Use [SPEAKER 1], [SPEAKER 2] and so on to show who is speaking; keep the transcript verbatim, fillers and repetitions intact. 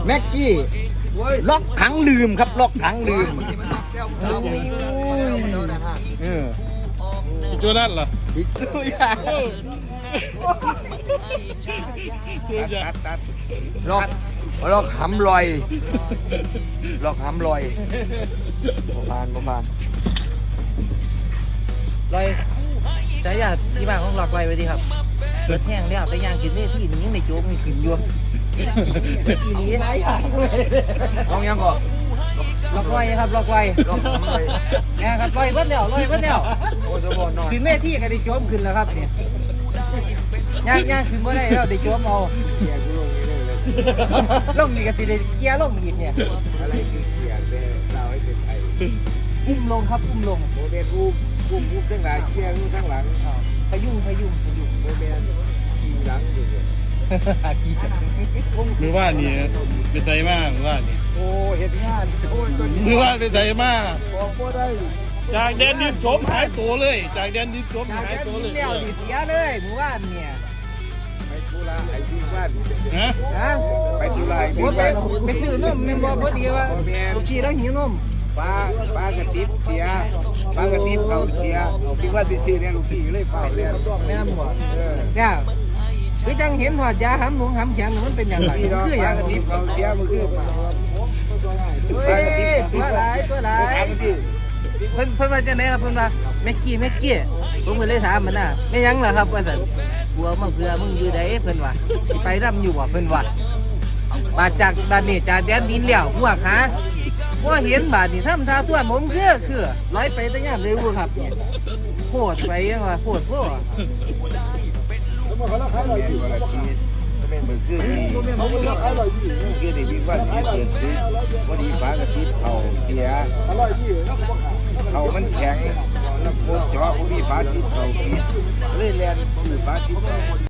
[SPEAKER 1] แม็กกี้ล็อกขังลืมครับล็อกขังลืมเออ
[SPEAKER 2] โจนั่นเหรอ
[SPEAKER 1] อีกตัวอย่าง
[SPEAKER 2] ตัดตัด
[SPEAKER 1] ล็อกล็อกหำลอยล็อกหำลอยประมาณประมาณ
[SPEAKER 3] ลอยใช้ยาที่บ้านของหลอกลอยไว้ดีครับเกิดแห้งแล้วแต่ย่างกินได้ที่นี้ยังในโจ๊กมีขึ้นอยู่ทีนี้หลายอย่างเลย
[SPEAKER 1] ลองยังก่อน
[SPEAKER 3] หลอกลอยครับหลอกลอย
[SPEAKER 1] ล็อกหำลอย
[SPEAKER 3] แง่ครับลอยเบิ้ลแล้วลอยเบิ้ลแล้ว
[SPEAKER 1] โอ้จะบอกหน่อย
[SPEAKER 3] ขึ้นแม่ที่ก็ได้โจ๊มขึ้นแล้วครับเนี่ยย่างย่างขึ้นไม่ได้แล้วได้โจ๊มเอา
[SPEAKER 1] เกียร์กูลงนี่เลยเลย
[SPEAKER 3] ล่มนี่ก็ติได้เกียร์ล่มอีกเนี่ย
[SPEAKER 1] อะไรคือเกียร์เนี่ยเราให้เป็นไทย
[SPEAKER 3] อุ้มลงครับอุ้มลง
[SPEAKER 1] โมเดลกูกูกูทั้งหลายเกียร์กูทั้งหลัง
[SPEAKER 3] พยุงพยุงพยุง
[SPEAKER 1] โมเดลขี่หลังอยู่เนี่ย
[SPEAKER 3] ขี่จักร
[SPEAKER 2] มือว่านี่เป็นใจมากมือว่านี่
[SPEAKER 1] โอ้เห็นงานโอ้ยตัวนี้
[SPEAKER 2] มือว่าเป็นใจมาก
[SPEAKER 1] บอกว่าได้
[SPEAKER 2] จากแดนดินโฉมหายตัวเลย จากแดนดินโฉม
[SPEAKER 3] จาก
[SPEAKER 2] หาย
[SPEAKER 3] นั้น
[SPEAKER 2] ตัวเล
[SPEAKER 3] กิ
[SPEAKER 2] ย
[SPEAKER 3] นแล้วดิเสียเลยหมู่บ้านเนี่ย
[SPEAKER 1] ไปทุระไอ้ที่บ้าน
[SPEAKER 2] ฮะ
[SPEAKER 3] นะ
[SPEAKER 1] ไปทุระไอ้
[SPEAKER 3] ผ
[SPEAKER 1] ที่
[SPEAKER 3] มไป
[SPEAKER 1] บ้าน
[SPEAKER 3] ไปซื้อนมแม่นบ่พอดีว่าลูกพี่แล้วหิวนม
[SPEAKER 1] ปลาปลากระติบเสียปลากระติบเขาเสียที่ว่าที่ซื้อเนี่ยลูกพี่เลยเฝ้าเลย
[SPEAKER 3] แม่นบ่
[SPEAKER 1] เออ
[SPEAKER 3] เนี่ยคือจังเห็นหอดยาหำหนูหำแข็งมันเป็นอย่างไร
[SPEAKER 1] พี่น้อง
[SPEAKER 3] คืออ
[SPEAKER 1] ปลา
[SPEAKER 3] ย่าง
[SPEAKER 1] กระติบเขาเสียมันคือปลา
[SPEAKER 3] เฮ้ยตัวหลายตัวหลาย
[SPEAKER 1] ปลากระติบ
[SPEAKER 3] เพิ่นเพิ่นว่าจังไดครับเพิ่นว่าแม็กกี้แม็กกี้ผมก็เลยถามมันน่ะไม่ยังล่ะครับว่าซั่นกลัวมาเพื่อมึงอยู่ใดเพิ่นว่าสิไปนํอยู่บ่เพิ่นว่าบาดจากบาดนี้จากแดนดินแล้วพวกหาบ่เห็นบาดนี้ทำท่าส่วนผมคือคือร้อยไปแต่ยามเลยบ่ครับเนี่ยโคตรไปยังว่าโคตรโพด
[SPEAKER 1] อยู่อะไรที่เป็นมือคือที่คือที่พี่ว่าที่เกิดขึ้นพอดีปลากระติบเขาเสียเขามันแข็งแล้วโคตรจ่อพอดีปลาติบเขาเสียเลยแลนคือปลาติบเขา